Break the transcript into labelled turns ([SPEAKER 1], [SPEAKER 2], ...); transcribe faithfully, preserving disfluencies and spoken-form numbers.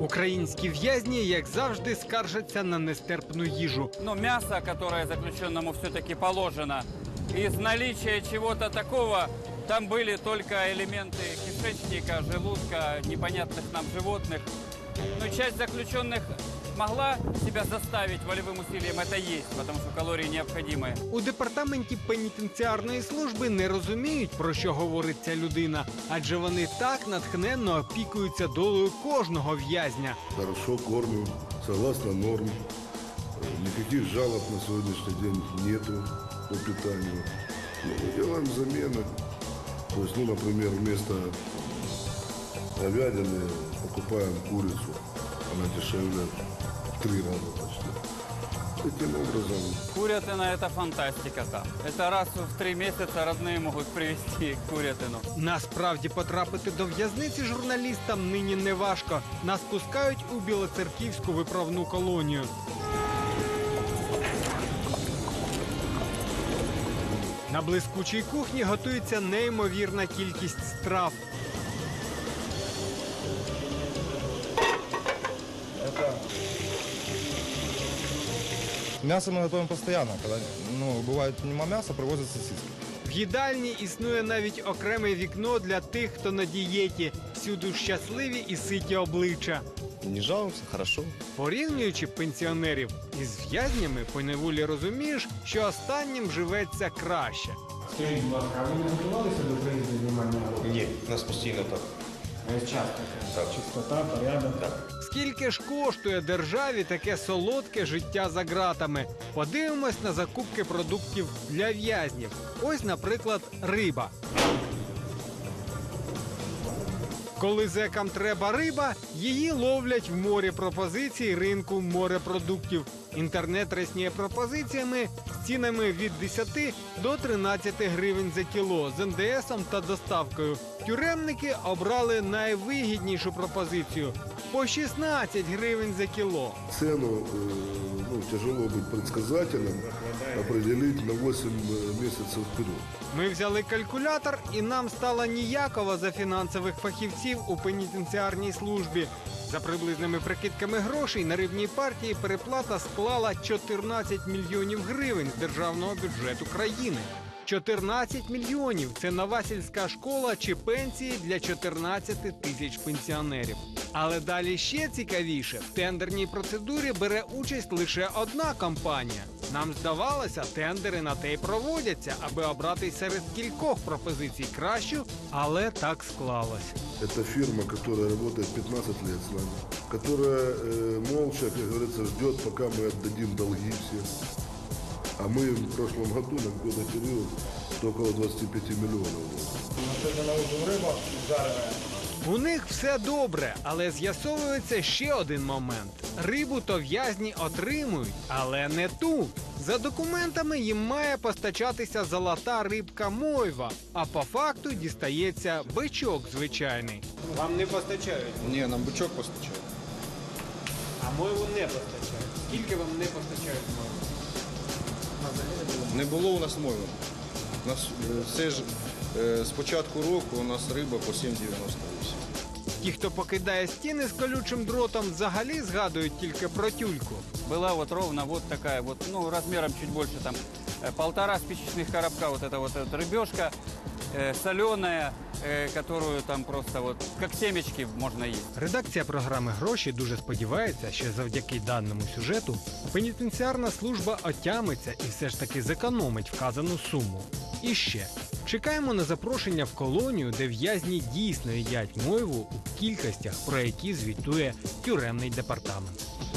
[SPEAKER 1] Українські в'язні, як завжди, скаржаться на нестерпну їжу.
[SPEAKER 2] Но мясо, которое заключенному все-таки положено, из наличия чего-то такого, там были только элементы кишечника, желудка, непонятных нам животных. Но часть заключенных могла себя заставить волевым усилием это есть, потому что калории необходимы.
[SPEAKER 1] У департаменті пенітенціарної служби не розуміють, про що говорить ця людина, адже вони так натхненно опікуються долею кожного в'язня.
[SPEAKER 3] Хорошо кормим, согласно норм. Никаких жалоб на сегодняшний день нету по питанию. Мы делаем замены. То есть, ну, например, вместо говядины покупаем курицу. Она дешевле в три раза почти. Таким образом.
[SPEAKER 2] Курятина – это фантастика там. Это раз в три месяца родные могут привезти курятину.
[SPEAKER 1] Насправді потрапити до в'язниці журналістам нині не важко. Нас пускають у Білоцерківську виправну колонію. На блискучій кухні готується неймовірна кількість страв.
[SPEAKER 4] Мясо мы готовим постоянно. Когда, ну, бывает нема мяса, привозят сосиски.
[SPEAKER 1] В їдальні існує навіть окреме вікно для тих, хто на дієті. Всюди щасливі і ситі обличчя.
[SPEAKER 4] Не жалуемся, хорошо.
[SPEAKER 1] Порівнюючи пенсіонерів із в'язнями, поневолі розумієш, що останнім живеться краще.
[SPEAKER 5] Скажіть, будь ласка, а ви не готувалися до приїзду знімального року?
[SPEAKER 4] Ні, у нас постійно так.
[SPEAKER 5] Часто. Так. Чистота, порядок. Так.
[SPEAKER 1] Скільки ж коштує державі таке солодке життя за ґратами? Подивимось на закупки продуктів для в'язнів. Ось, наприклад, риба. Коли зекам треба риба, її ловлять в морі пропозицій ринку морепродуктів. Інтернет рясніє пропозиціями з цінами від десяти до тринадцяти гривень за кіло з ен де есом та доставкою. Тюремники обрали найвигіднішу пропозицію – по шістнадцять гривень за кіло.
[SPEAKER 3] Цену э, ну, тяжело быть предсказателем, определить на восемь месяцев вперед.
[SPEAKER 1] Ми взяли калькулятор, і нам стало ніяково за фінансових фахівців у пенітенціарній службі. За приблизними прикидками грошей на рибній партії переплата склала чотирнадцять мільйонів гривень з державного бюджету країни. чотирнадцять мільйонів – це нова сільська школа чи пенсії для чотирнадцяти тисяч пенсіонерів. Але далі ще цікавіше. В тендерній процедурі бере участь лише одна компанія. Нам здавалося, тендери на те й проводяться, аби обрати серед кількох пропозицій кращу, але так склалось.
[SPEAKER 3] Это фирма, которая работает пятнадцать лет с нами, которая э, молча, как говорится, ждет, пока мы отдадим долги все. А мы в прошлом году на какой-то период около двадцати пяти миллионов.
[SPEAKER 5] Сьогодні на ужин риба жарена.
[SPEAKER 1] У них все добре, але з'ясовується ще один момент. Рибу то в'язні отримують, але не ту. За документами їм має постачатися золота рибка мойва, а по факту дістається бичок звичайний. Вам не постачають?
[SPEAKER 4] Ні, нам бичок постачають.
[SPEAKER 1] А мойву не постачають. Скільки вам не постачають мойву?
[SPEAKER 4] Не було у нас мови. У нас е, все ж е, з початку року у нас риба по сім дев'яносто вісім.
[SPEAKER 1] Ті, хто покидає стіни з колючим дротом, взагалі згадують тільки про тюльку.
[SPEAKER 2] Была вот ровно вот такая вот, ну, размером чуть больше, там, э, полтора спичечных коробка, вот эта вот эта рыбешка, э, соленая, э, которую там просто вот, как семечки можно есть.
[SPEAKER 1] Редакція програми «Гроші» дуже сподівається, що завдяки даному сюжету пенітенціарна служба отямиться і все ж таки зекономить вказану суму. І ще. Чекаємо на запрошення в колонію, де в'язні дійсно їдять мойву у кількостях, про які звітує тюремний департамент.